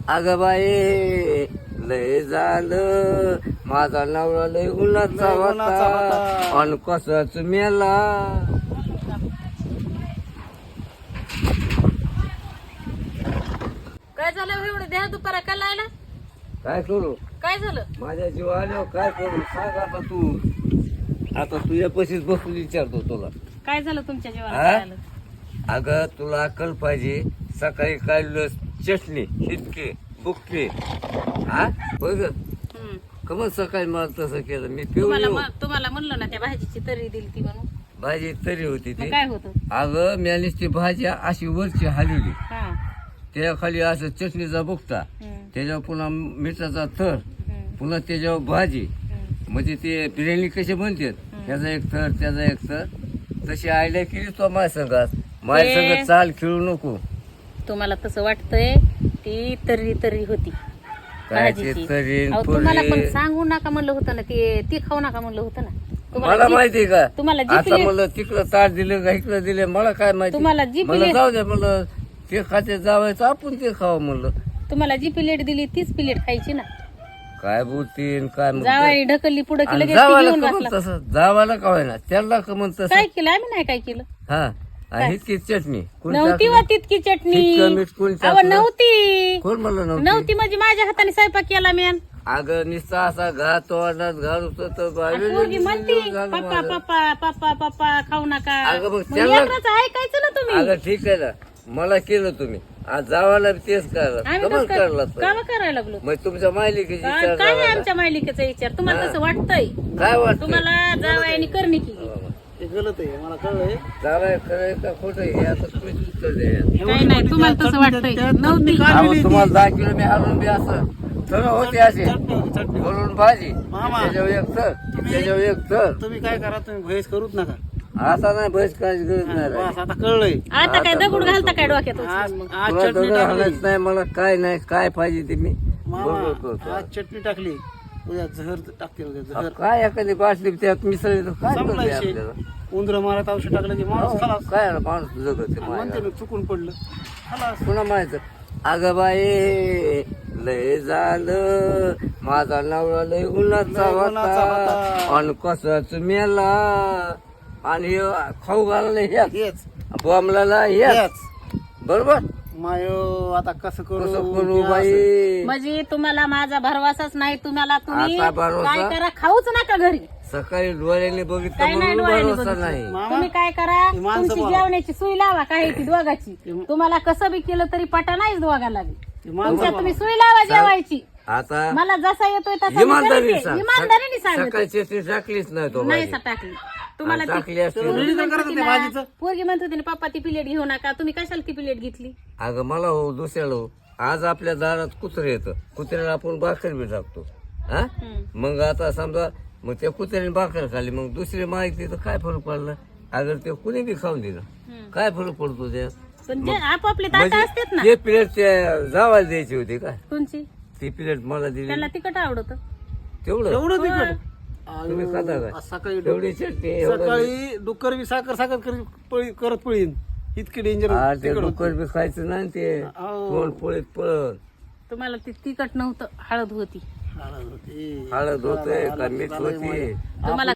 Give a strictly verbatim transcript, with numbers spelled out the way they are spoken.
अगं बाई लय झालं माझा नवरा लय उन्हाचा होता अन कसाच मेला. काय झालं एवढं द्या दुपारा का लायला? काय करू काय झालं? माझ्या जीव आल्यावर काय करू सांग आता तू. आता तुझ्या पशीच बसून विचारतो तुला. काय झालं तुमच्या हा? जेवणाला? अगं तुला अक्कल पाहिजे. सकाळी काढलं चटणी शिटके बुक्के हा बघ कमल सकाळी मला तसं केलं मी पिऊन तुम्हाला येऊ. म- तुम्हाला म्हणलं ना त्या भाजीची तरी दिली ती म्हणून. भाजी तरी होती मग ती. काय होतं? अगं म्यानीच ती भाजी अशी वरची हलवली हा. त्याच्या खाली असं चटणीचा बुकटा हम्म, त्याच्यावर पुन्हा मिठाचा थर हम्म, पुन्हा त्याच्यावर भाजी हम्म. म्हणजे ते बिर्याणी कशी बनतात त्याचा एक थर त्याचा एक थर तशी आयडिया केली तो माझ्या संघात माझ्या ते- संघ चाल खेळू नको. तुम्हाला तसं वाटतंय ती तर्री तर्री होती काय ते भाजीची. तरी अहो, तुम्हाला पण पुरी. सांगू नका म्हणलं होतं ना ते ती खाऊ नका म्हणलं होतं ना. तुम्हाला मला जी- माहिती का तुम्हाला जी आता प्लेट- मला तिकडं ताट दिलं का इकडं दिले मला काय माहिती. तुम्हाला जी मला प्लेट- जाऊ द्या म्हणलं ते खाते जावायचं आपण ते खावं म्हणलं. तुम्हाला जी प्लेट दिली तीच प्लेट खायची ना. काय बोलतीन काय म्हणते. जावाई ढकलली पुढे की आणि लगेच ती जावायला घेऊन का म्हण बसला. तसं जावायला का होईना त्याला का म्हण तसं काय केलं आम्ही नाही काय केलं. हा आणि इतकी चटणी कोण नव्हती टाकली? वा तितकी चटणी. इतकं मीठ कोणी अहो टाकलं? नव्हती कोण म्हणलं नव्हती नव्हती म्हणजे माझ्या हाताने स्वयंपाक केला मी. अगं निस्ता असा घात तोंडात घालू तर पोरगी म्हणती पप्पा पप्पा पप्पा पप्पा खाऊ नका. अगं मग मग त्याला- लेकराचं ऐकायचं ना तुम्ही. अगं ठीक आहे ना मला केलं तुम्ही आज जावायला बी तेच करा आम्ही कमल कसं करला काय- कामं करायला लागलो. मग तुमच्या मायलिकीची काय विचार काय आहे लावायला. आमच्या मायलिकेचा विचार तुम्हाला तसं वाटतंय. काय वाटत तुम्हाला जावयाने करणी केली. ते गलत आहे मला कळलंय. जावाय खरं का खोटं हे आता तुम्हीच उत्तर द्या. काय नाही तुम्हाला तसं वाटतंय. नव्हती अहो, तुम्हाला दहा किलो मी हलवून बी असं थर होते असे चटणी बोलून भाजी मामा. त्याच्यावर एक थर त्याच्यावर एक थर तुम्ही काय करा तुम्ही भैस करूच नका. आता नाही बस काहीच गरज नाही राहिली. बस आता कळलंय. आता काय दगड घालता काय डोक्यात? आज आज तुला चटणी दगड टाकली हाणायचं नाही मला काय नाही काय पाहिजे ते मी मामा. बरोबर करतो. आज चटणी टाकली उद्या जहर टाकते उद्या अहो, जहर काय एखादी बाटली त्यात मिसळली तर काय संपला करते विषय. आपल्याला उंदर मारत औषध टाकलं की माणूस खलास. काय ना माणूस जगत ते म्हणते मायला. ना चुकून पडलं खलास. पुन्हा माहित अगं बाई लय झालं माझा नवरा लय उन्हाचा लय उन्हाचा होता होता. आणि कसाच मेला आणि ह्यो खाऊ घालला ह्याच हेच बॉम्बला ह्याच हेच बरोबर मायो आता कसं करू कसं करू हे असं. बाई म्हणजे तुम्हाला माझा भरवसाच नाही. तुम्हाला तुम्ही आता भरवसा? काय करा खाऊच नका घरी. सकाळी डोळ्याने बघितलं काय नाही म्हणून डोळ्याने भरोसा बघितलं. नाही मामा, तुम्ही काय करा ती माणसं तुमची बोला. जेवण्याची सुई लावा काय ती दोघाची. तुम्हाला कसं बी केलं तरी पटा नाहीच दोघाला बी. ती माणसं तुमच्या बोला. तुम्ही सुई लावा जेवायची. आता मला जसा येतोय तसा मी इमानदारीने करते. सांग इमानदारीने सांगते. सकाळी चटणी टाकलीच नाही तो नाही भाजी. टाकली तुम्हाला ती- टाकली असती तर ना. रेडी तर करत होते भाजीचं. पोरगी म्हणत होती ना पप्पा ती प्लेट घेऊ नका. तुम्ही कशाला ती प्लेट घेतली? अगं मला हो दुसऱ्याला हो आज आपल्या दारात कुत्रे येतं कुत्र्याला आपण भाकर बी टाकतो हा हम्म. मग आता समजा मग त्या कुत्र्याने भाकर खाल्ली मग दुसरी माहिती तर काय फरक पडला अगर ते कुणी बी खाऊन दिलं हम्म. काय फरक पडतो त्या पण जे आपापले ताटा असतात ना ते प्लेट त्या जावायला द्यायची होती काय तुमची ती प्लेट मला दिली त्यांना तिखट आवडत. तेवढं एवढं तिखट तुम्ही खाता आयो, काय? आज सकाळी तेवढी चटणी एवढं सकाळी डुक्कर बी साखर साखर करी पळी करत पळीन इतके डेंजर हा, ते डुक्कर बी खायचं नाही ते अहो. तोंड पोळीत पळत तुम्हाला ती तिखट नव्हतं हळद होती. हळद होते का मीठ होती तुम्हाला